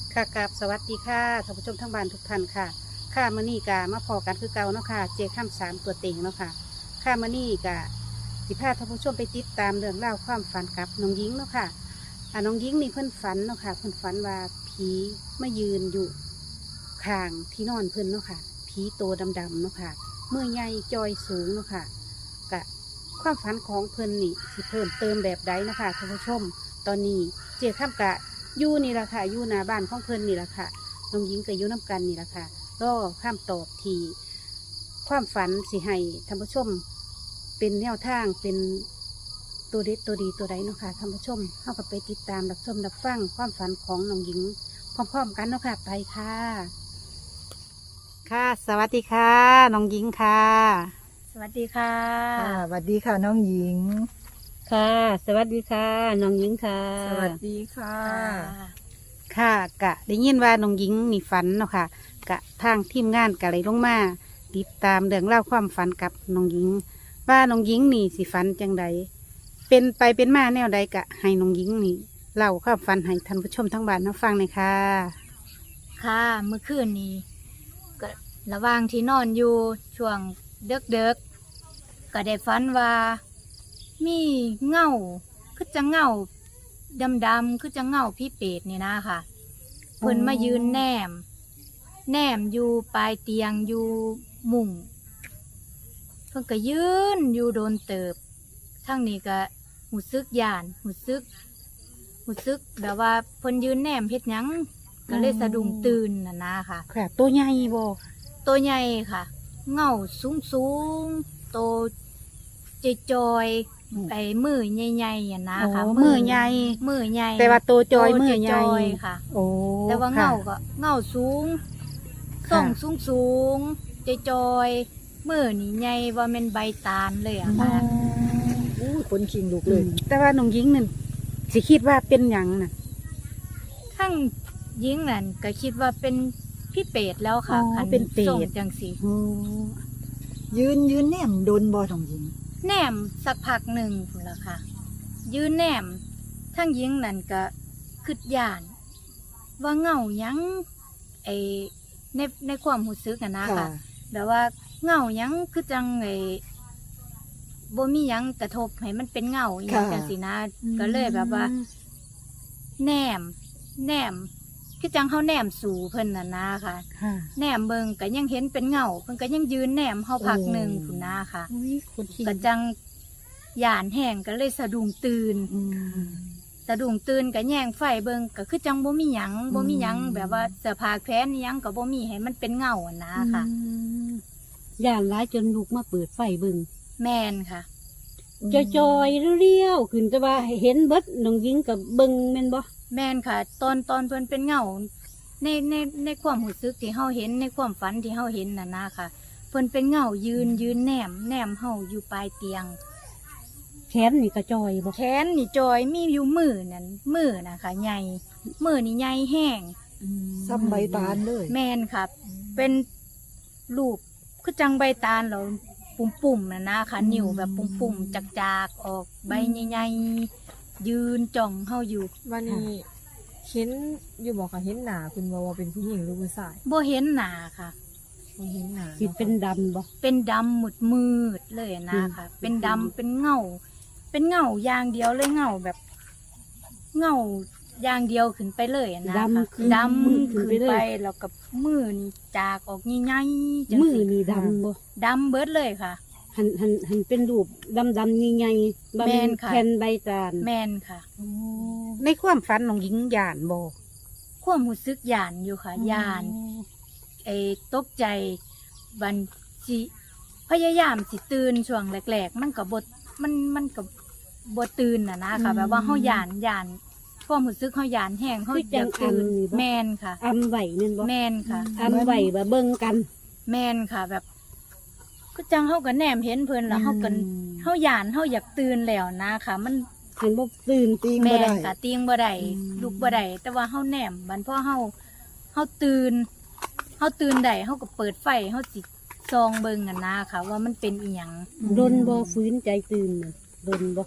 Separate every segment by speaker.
Speaker 1: ค่ะกับสวัสดีค่ะท่านผู้ชมทั้งบ้านทุกท่านค่ะค่ะมื้อนี้กะมาพอกันคือเก่าเนาะค่ะเจข้ามสามตัวเต็งเนาะค่ะค่ะมื้อนี้กะสิพาท่านผู้ชมไปติดตามเรื่องเล่าวความฝันกับน้องหญิงเนาะค่ะน้องหญิงนี่เพิ่นฝันเนาะค่ะเพิ่นฝันว่าผีมายืนอยู่ข้างที่นอนเพิ่นเนาะค่ะผีโตดำๆเนาะค่ะมือใหญ่จอยสูงเนาะค่ะกะความฝันของเพิ่นนี่สิเพิ่มเติมแบบใดเนาะค่ะท่านผู้ชมตอนนี้เจข้ามกะอยู่นี่ละค่ะอยู่หน้าบ้านของเพิ่นนี่ละค่ะ น้องหญิงกับยุน้ำกันนี่แหละค่ะรอข้ามตอบทีความฝันสิให้ท่านผู้ชม เป็นแนวทางเป็นตัวเด็ดตัวดีตัวใดเนาะค่ะท่านผู้ชมเข้ากับไปติดตามรับชมรับฟังความฝันของน้องหญิง พร้อมๆกันเนาะค่ะไปค่ะ ค่ะ สวัสดีค่ะน้องหญิงค่ะ
Speaker 2: สวัสดีค่ะ
Speaker 3: ค่ะสวัสดีค่ะน้องหญิง
Speaker 1: ค่ะ สวัสดีค่ะน้องหญิงค่ะ
Speaker 3: สวัสดีค่ะ
Speaker 1: ค่ะกะได้ยินว่าน้องหญิงนี่ฝันเนาะค่ะกะทางทีมงานกะเลยลงมาติดตามเรื่องเล่าวความฝันกับน้องหญิง ว่าน้องหญิงนี่สิฝันจังใดเป็นไปเป็นมาแนวใดกะให้น้องหญิงนี่เล่าความฝันให้ท่านผู้ชมทั้งบ้านรับฟังหน่อยค่ะ
Speaker 2: ค่ะเมื่อคืนนี้ก็ระหว่างที่นอนอยู่ช่วงเด็กๆก็ได้ฝันว่า มีเงาคือจะเงาดำๆคือจะเงาพี่เป็ดนี่นะค่ะเพิ่นมายืนแนมอยู่ปลายเตียงอยู่มุ้งเพิ่นก็ยืนอยู่โดนเติบทั้งนี้ก็หูซึกย่านหูซึกแบบว่าเพิ่นยืนแนมเฮ็ดหยังก็เลยสะดุ้งตื่นนะค่ะ
Speaker 1: ค่ะ ตัวใหญ่บ่
Speaker 2: ตัวใหญ่ค่ะ เงาสูงโตจอยๆไอ้มือใหญ่ๆอ่ะนะ
Speaker 1: โอ้
Speaker 2: ค่ะ
Speaker 1: มือใหญ่
Speaker 2: มือใหญ่
Speaker 1: แต่ว่าตัวจอยมือใหญ่
Speaker 2: จอยค่ะ
Speaker 1: โอ้
Speaker 2: แต่ว่า
Speaker 1: ค่ะ
Speaker 2: เงาก็เงาสูง
Speaker 1: ค่ะ
Speaker 2: ส่งสูงจอยๆมือนี่ใหญ่ว่าเป็นใบตาลเลยอะ
Speaker 1: อ๋อ
Speaker 2: ค่ะ
Speaker 3: อู้คนคิงลุกเลย
Speaker 1: แต่ว่าน้องหญิงนั่นสิคิดว่าเป็นหยังน่ะ
Speaker 2: ทั้งยิงนั่นก็คิดว่าเป็นพี่เป็ดแล้วค่ะ
Speaker 1: อ๋อ
Speaker 2: คัน
Speaker 1: เป็นเป็ด
Speaker 2: ส่งจังสี
Speaker 1: โอ้
Speaker 3: ยืนแนมโดนบอน้องหญิง
Speaker 2: แหนมสักพักหนึ่งพุ่นละค่ะ ยืนแหนมทั้งยิงนั่นก็คิดย่าน ว่าเงาหยังไอในความรู้สึกอะนะ
Speaker 3: ค่ะ
Speaker 2: ค่ะแบบว่าเงาหยังคือจังไอบ่มีหยังกระทบให้มันเป็นเงาอหย่างจังสินะก็เลยแบบว่า แนมคือจังเฮาแนมสู่เพิ่นน่ะนะค่ะ
Speaker 1: ค่ะ
Speaker 2: แนมเบิงก็ยังเห็นเป็นเงาเพิ่นก็ยังยืนแนมเฮาพักหนึ่งพุ่นนะค่ะ
Speaker 1: อุ้ยคนขี้
Speaker 2: ก็จังย่านแห้งก็เลยสะดุ้งตื่น
Speaker 1: อืม
Speaker 2: สะดุ้งตื่นก็แย่งไฟเบิงก็คือจังบ่มีหยังบ่มีหยังแบบว่าเสื้อผ้าแขวนอิหยังก็บ่มีให้มันเป็นเงาอะนะค่ะ
Speaker 1: ย่านร้ายจนลุกมาเปิดไฟเบิ่ง
Speaker 2: แม่นค่ะ
Speaker 1: จอยๆเรียวๆขึ้นแต่ว่าเห็นเบิดน้องหญิงกับเบิ่งแม่นบ่
Speaker 2: แม่นค่ะ ตอนเพิ่นเป็นเงาในความรู้สึกที่เฮาเห็นในความฝันที่เฮาเห็นน่ะนะค่ะเพิ่นเป็นเงายืนแนมเฮาอยู่ปลายเตียง
Speaker 1: แขนนี่ก็จอยบ่
Speaker 2: แขนนี่จอยมีอยู่มือนั่นมือนะคะใหญ่มือนี่ใหญ่แห้ง
Speaker 3: ซ้ำใบตาลเลย
Speaker 2: แม่นครับ เป็นรูปคือจังใบตาลเราปุ่มๆนะนะคะนิ้วแบบปุ่มๆจากๆออกใบใหญ่ๆยืนจ้องเฮาอยู่
Speaker 4: วันนี้เห็นอยู่บอกค่ะเห็นหนาคุณว่าเป็นผู้หญิงหรือผู้ชาย
Speaker 2: บ่เห็นหน้าค่ะ
Speaker 4: บ่เห็นหนา
Speaker 1: สิเป็นดำบ่
Speaker 2: เป็นดำมืดๆเลยนะคะ เป็นดำเป็นเงาอย่างเดียวเลยเงาแบบเงาอย่างเดียวขึ้นไปเลยอะนะคะ
Speaker 1: ดำขึ้น
Speaker 2: ดำ
Speaker 1: ขึ้น
Speaker 2: ขึ้น
Speaker 1: ไป
Speaker 2: ไป
Speaker 1: เลย
Speaker 2: แล้วกับมือนี่จากออกใหญ่ๆจัง
Speaker 1: มือ
Speaker 2: สิ
Speaker 1: นี่ดำบ่
Speaker 2: ดำเบิดเลยค่ะ
Speaker 1: หันเป็นรูปดำๆใหญ่ๆบ่
Speaker 2: แม่
Speaker 1: แม่น
Speaker 2: นค่ะ
Speaker 1: แผ่นใบตาล
Speaker 2: แม่นค่ะ
Speaker 1: ในความฝันน้องหญิงย่านบ่
Speaker 2: ความรู้สึกย่านอยู่ค่ะย่านไอ้ตกใจบันสิพยายามสิตื่นช่วงแรกๆมันก็บ่มันก็บ่ตื่นน่ะนะคะแบบว่าเฮาย่านความรู้สึกเฮาย่านแห้งเฮาอยากตื่นแม่นค่ะ
Speaker 1: อำไหวแม่นบ่
Speaker 2: แม่นค่ะ
Speaker 1: อำไหวบ่เบิ่งกัน
Speaker 2: แม่นค่ะแบบก็จังเฮาก็แนมเห็นเพิ่นแล้วเฮาก็เฮาย่านเฮาอยากตื่นแล้วนะคะมัน
Speaker 1: หันบ่ตื่น
Speaker 3: ตีง
Speaker 2: แม่
Speaker 3: บ่ได้
Speaker 2: นค่ะเตียงบ่ได้ลุกบ่ได้แต่ว่าเฮาแนมบัดพอเฮาตื่นได้เฮาก็เปิดไฟเฮาสิส่องเบิ่งกันนะค่ะ ว่ามันเป็นอีหยัง
Speaker 1: ดนบ่ฟื้นใจตื่นน่ะดนบ่
Speaker 2: ป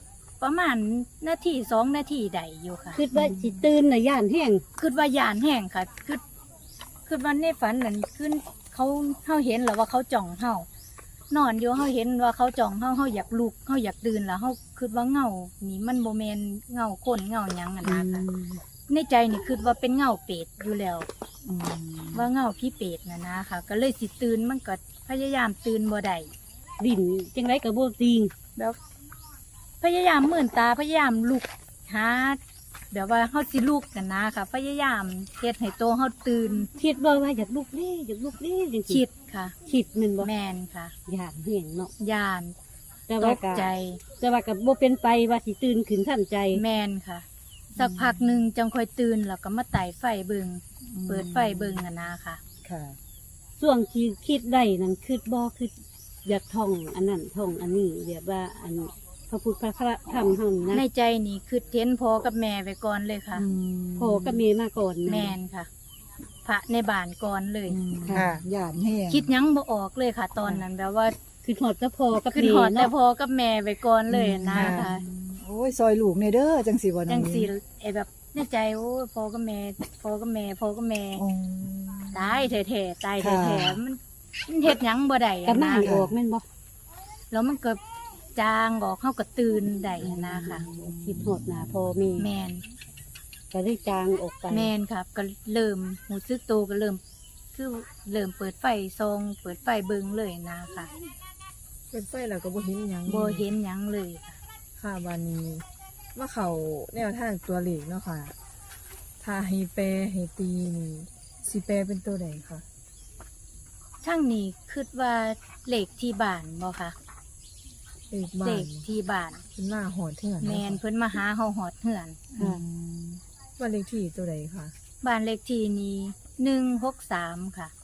Speaker 2: ประมาณนาที2 นาทีได้อยู่ค่ะ
Speaker 1: คิดว่าสิตื่นน่ะย่านแห้ง
Speaker 2: คิดว่าย่านแห้งค่ะคิดว่าในฝันนั่นคือเฮาเห็นแล้วว่าเขาจ้องเฮานอนอยู่เฮาเห็นว่าเขาจ้องเฮาอยากลุกเฮาอยากตื่นแล้วเฮาคิดว่าเงานี่มันบ่แม่นเงาคนเงาหยังอะนะคะในใจนี่คิดว่าเป็นเงาเป็ดอยู่แล้ว ว่าเงาพี่เป็ดนะค่ะ ก็เลยสิตื่นมันก็พยายามตื่นบ่ได้
Speaker 1: ดินจังไรก็บ่จริง
Speaker 2: แบบพยายามมื่นตาพยายามลุกหาแบบว่าเฮาสิลุกกันนะค่ะ พยายามเฮ็ดให้โตวเฮาตื่น
Speaker 1: คิดว่าอยากลุกเด้อยากลุกเด้จังซี่
Speaker 2: คิดค่ะ
Speaker 1: คิดแม่นบ่
Speaker 2: แม่นค่ะ
Speaker 1: ย่านแห้งเนาะ
Speaker 2: ย่าน
Speaker 1: แต่
Speaker 2: ต
Speaker 1: ว่าก ก็
Speaker 2: ใจ
Speaker 1: แต่ว่าก็บ่เป็นไปว่าสิตื่นขึ้นทันใจ
Speaker 2: แม่นค่ะ สักพักหนึ่งจังค่อยตื่นแล้วก็มาไต่ไฟเบิงเปิดไฟเบิงนะค่ะ
Speaker 3: ค่ะ
Speaker 1: ช่วงที่คิดได้นั่นคิดบ่คิดอยากท่องอันนั้นท่องอันนี้แบบว่าอันพระพุทธพระธรรมเฮานี่
Speaker 2: ใน
Speaker 1: นะ
Speaker 2: ใจนี่คือเท้นพอกับแม่ไปก่อนเลยค่ะ
Speaker 1: พ่อกับแม่มาก่อนนะ
Speaker 2: แม่นค่ะ พระในบ้านก่อนเลย
Speaker 3: ค่ะย่านแห้ง
Speaker 2: คิดหยังบ่ออกเลยค่ะ ตอนนั้นแบบว่า
Speaker 1: คือหอดแต่พ่อกับ
Speaker 2: ขึ้น
Speaker 1: แม่
Speaker 2: หอดแต่
Speaker 1: เนาะ
Speaker 2: พอกับแม่ไปก่อนเลยนะคะ
Speaker 3: โอ้ยซอยลูกในเด้อจังสิบ่น้
Speaker 2: จั
Speaker 3: อง
Speaker 2: ง
Speaker 3: หญิ
Speaker 2: สีไอแบบในใจโอ้ยพอกับแม่พอกับแม่พอกับแม่
Speaker 3: อ๋อ
Speaker 2: ตายแท้ๆตาย
Speaker 3: ค่ะ
Speaker 2: แท้ๆมันเฮ็ดหยังบ่ได้
Speaker 1: ก็
Speaker 2: อะ
Speaker 1: มา
Speaker 2: นะ
Speaker 1: ออกแม่นบ่
Speaker 2: แล้วมันก็จางออกเฮาก็ตื่นได้อะนะค่ะ
Speaker 1: คิดหอดหน้าพ่อแม่
Speaker 2: แม่น
Speaker 1: ก็ได้จางออกไป
Speaker 2: แม่นครับก็เริ่มหูซึกโตก็เริ่มคือเริ่มเปิดไฟซองเปิดไฟเบิงเลยนะคะ
Speaker 4: เป็นไฟแล้วก็บ่เห็นหยัง
Speaker 2: บ่เห็นหยังเลยค่ะ
Speaker 4: ค่ะวันนี้มาเข้าแนวทางตัวเลขเนาะค่ะ ถ้าให้แปลให้ตีนี่สิแปลเป็นตัวใดคะ
Speaker 2: ช่างนี้คิดว่าเลขที่บ้านบ่ค่ะ
Speaker 4: เลขบ้า
Speaker 2: เล
Speaker 4: น
Speaker 2: ขที่บ้าน
Speaker 4: เป็นหน้าหอดเถื่อน
Speaker 2: แม่น
Speaker 4: เนาะ
Speaker 2: เพิ่นมาหาเฮาฮอดเฮือน
Speaker 3: อืม
Speaker 4: ว่าเลขที่ตัวใดคะ
Speaker 2: บ้านเลขที่นี้163ค่ะ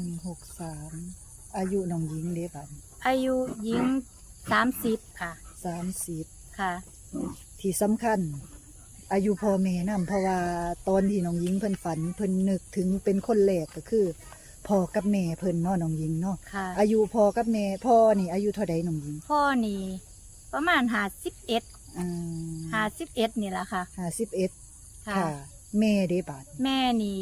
Speaker 3: 163อายุน้องหญิงเด้บัด
Speaker 2: อายุหญิง30ค่ะ
Speaker 3: 30
Speaker 2: ค่ะ
Speaker 3: ที่สำคัญ อายุพ่อแม่นำเพราะว่าตอนที่น้องหญิงเพิ่นฝันเพิ่นนึกถึงเป็นคนแรกก็คือพ่อกับแม่เพิ่นเนาะน้องหญิงเนาะ
Speaker 2: ค่ะ
Speaker 3: อายุพ่อกับแม่พ่อนี่อายุเท่าใดน้องหญิง
Speaker 2: พ่อนี่ประมาณ51
Speaker 3: อ่า
Speaker 2: 51นี่ล่ะค่ะ
Speaker 3: 51
Speaker 2: ค่ะ
Speaker 3: ค่ะ แม่เด้บาด
Speaker 2: แม่นี่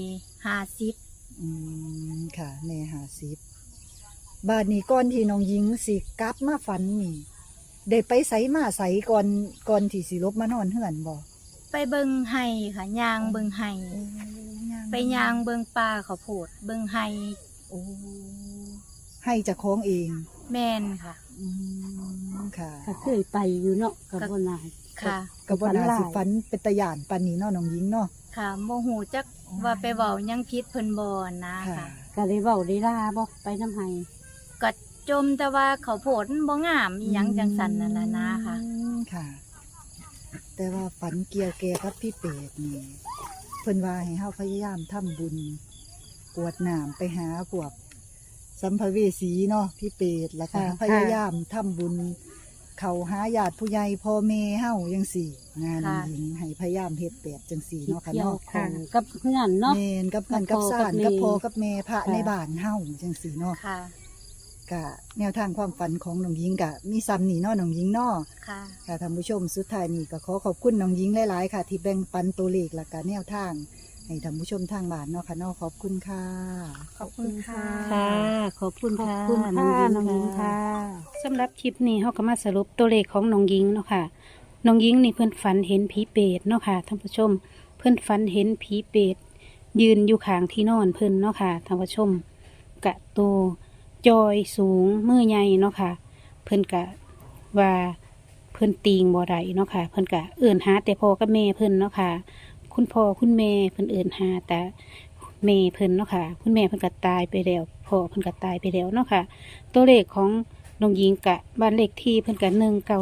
Speaker 2: 50
Speaker 3: ค่ะแม่50บาดนี้ก่อนที่น้องหญิงสิกลับมาฝันนี่ได้ไปไสมาไสก่อนที่สิลบมานอนเฮือนบ่
Speaker 2: ไปเบิงไห้ค่ะยางเบิงไห้ไปยางเบิงปลาข้าวโพดเบิงไห้
Speaker 3: โอ้ให้เจะคล้าของเอง
Speaker 2: แม่นค่ะ
Speaker 3: ค่ะ
Speaker 1: ก็เคยไปอยู่เนาะกับบ่นาย
Speaker 2: ค่ะ
Speaker 3: ก็บ่น่าสิ
Speaker 1: ฝั
Speaker 3: ฝั
Speaker 1: น
Speaker 3: น
Speaker 1: หลาย
Speaker 3: เป็นตาย่านปานนี้เนาะน้องหญิงเนาะ
Speaker 2: ค่ะโมโหจักว่าไปเว้าหยังพิษเพิ่นบ่นะ
Speaker 3: ค่ะ
Speaker 2: ค่ะ
Speaker 1: ก็ได้เว้าได้ลาบ่ไปน้ำไห้
Speaker 2: ก็จมแต่ว่าข้าวโพดมันบ่งามอีหยังจังสันนั่นล่ะนะค่ะ
Speaker 3: ค่ะ แต่ว่าฝันเกี่ยวแก่กับพี่เป็ดนี่เพิ่นว่าให้เฮาพยายามทำบุญกวดน้ำไปหาพวกสัมภเวสีเนาะพี่เป็ดแล้วก็พยายามทำบุญ เขาหาญาติผู้ใหญ่พ่อแม่เฮาจังสี่งาน
Speaker 2: ค่ะ
Speaker 3: หญิงให้พยายามเฮ็ดแบบจังสี่
Speaker 1: ที่
Speaker 3: เนาะค่ะ
Speaker 1: เกี่ยว
Speaker 3: เนาะ
Speaker 1: ข้องกับเพื่อนเนาะ
Speaker 3: แม่นกับกัน
Speaker 1: กั
Speaker 3: กั
Speaker 1: บบ พ่อ
Speaker 3: สาน
Speaker 1: กับแม่
Speaker 3: กับพ่อกับแม่พระ
Speaker 1: ค่ะ
Speaker 3: ในบ้านเฮาจังสี่เนาะ
Speaker 2: ค่ะ
Speaker 3: กะแนวทางความฝันของน้องหญิงกะมีซ้ำนี่เนาะน้องหญิงเนาะ
Speaker 2: ค่ะ
Speaker 3: ค่ะท่านผู้ชมสุดท้ายนี่ก็ขอขอบคุณน้องหญิงหลายๆค่ะ ที่แบ่งปันตัวเลขและก็แนวทางให้ท่านผู้ชมทางบ้านเนาะค่ะเนาะขอบคุณค่ะ
Speaker 2: ขอบคุณค่ะ
Speaker 1: ค่ะ ขอบคุณค่ะ
Speaker 3: ขอบคุณค่ะ
Speaker 1: น้องหญิงค่ะสำหรับคลิปนี้เขาก็มาสรุปตัวเลขของน้องหญิงเนาะค่ะน้องหญิงนี่เพื่อนฝันเห็นผีเปรตเนาะค่ะท่านผู้ชม เพื่อนฝันเห็นผีเปรตยืนอยู่ข้างที่นอนเพื่อนเนาะค่ะท่านผู้ชม กะโตจอยสูงมือใหญ่เนาะค่ะ เพื่อนกะว่าเพื่อนตีงบ่ได้เนาะค่ะ เพื่อนกะเอื่นหาแต่พ่อกับแม่เพื่อนเนาะค่ะ คุณพ่อคุณแม่เพิ่นเอิ้นหาแต่แม่เพิ่นเนาะค่ะคุณแม่เพิ่นก็ตายไปแล้วพ่อเพิ่นก็ตายไปแล้วเนาะค่ะตัวเลขของน้องหญิงกะบ้านเลขที่เพิ่นกะ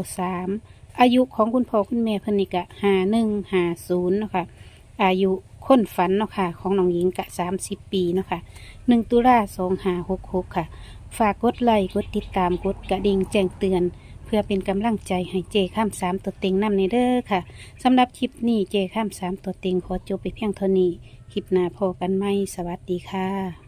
Speaker 1: 193อายุของคุณพ่อคุณแม่เพิ่นนี่กะ5150เนาะค่ะอายุคนฝันเนาะค่ะของน้องหญิงกะ30 ปีเนาะค่ะ1ตุลา2566ค่ะฝากกดไลค์กดติดตามกดกระดิ่งแจ้งเตือน เพื่อเป็นกำลังใจให้เจข้าม3ตัวเต็งนำในเด้อค่ะสำหรับคลิปนี้เจข้าม3ตัวเต็งขอจบไปเพียงเท่านี้ คลิปหน้าพอกันไหมสวัสดีค่ะ